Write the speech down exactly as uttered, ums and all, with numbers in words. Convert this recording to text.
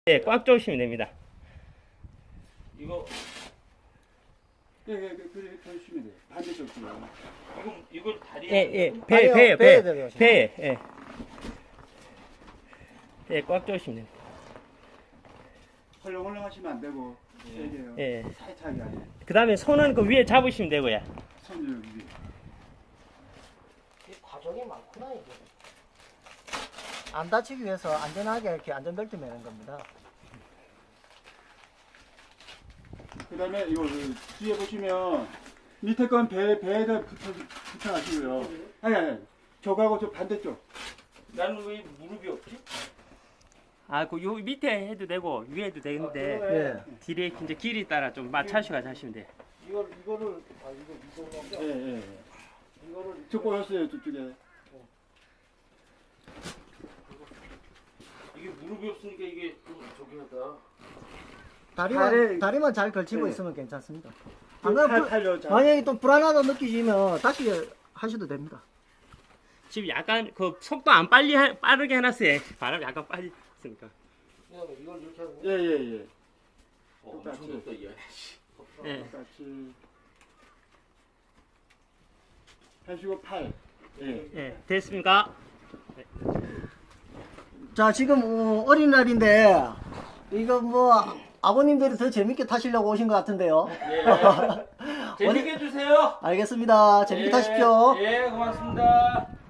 예, 꽉 조시면 됩니다. 이거 예, 예, 그래, 그러시면 돼요. 반대쪽으로. 이거 이걸 다리에 예, 예, 아니요, 배, 배, 배에 배, 들어가시면 배, 예. 예, 꽉 조시면 됩니다. 헐렁헐렁 하시면 안 되고, 세게요. 예. 타이트하게 아니에요. 그 다음에 손은 그 위에 잡으시면 되고요. 손을 위에. 이 과정이 많구나 이게. 안 다치기 위해서 안전하게 이렇게 안전벨트 매는 겁니다. 그 다음에 이거 그 뒤에 보시면 밑에 건 배, 배에다 붙여, 붙여가시고요. 아니, 아니, 저거하고 저 반대쪽. 나는 왜 무릎이 없지? 아, 그 요 밑에 해도 되고 위에 해도 되는데 예. 뒤에 이제 길이 따라 좀 맞춰서 하시면 돼요. 이걸 이거를 아 이거 이거 예, 예, 예. 이거를 저 꼬였어요, 저쪽에. 이게 무릎이 없으니까 이게 좀 저기 하다. 다리만 다리- 다리만 잘 걸치고 네. 있으면 괜찮습니다. 좀 안 그러면 팔, 불- 팔려, 잘. 만약에 또 불안하다 느끼시면 다시 하셔도 됩니다. 지금 약간 그 속도 안 빨리 하, 빠르게 해놨어요. 바람이 약간 빨리 있으니까. 이걸 이렇게 하고 예, 예, 예. 어, 똑같이. 엄청 덥다 얘. 예. 똑같이. 하시고 팔. 예. 예, 됐습니까? 자 지금 어, 어린날인데 이거 뭐 아버님들이 더 재밌게 타시려고 오신 것 같은데요. 예. 재밌게 해주세요. 알겠습니다. 재밌게 예, 타십시오. 예, 고맙습니다.